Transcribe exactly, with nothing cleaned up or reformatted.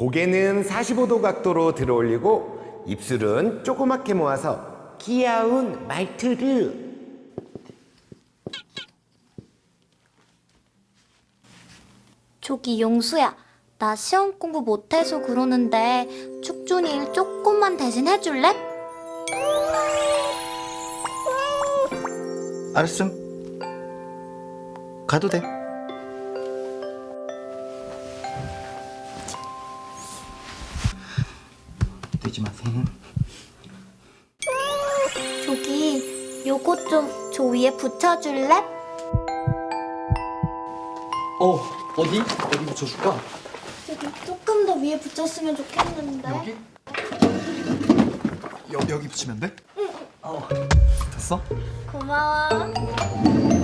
고개는 사십오 도 각도로 들어 올리고 입술은 조그맣게 모아서 귀여운 말투를. 저기 용수야, 나 시험 공부 못해서 그러는데 축준이 일 조금만 대신 해줄래? 알았음. 가도 돼. 되지 마세요. 저기 요거 좀 저 위에 붙여줄래? 어, 어디? 어디 붙여줄까? 저기 조금 더 위에 붙였으면 좋겠는데. 여기? 여, 여기 붙이면 돼? 응. 어, 됐어? 고마워.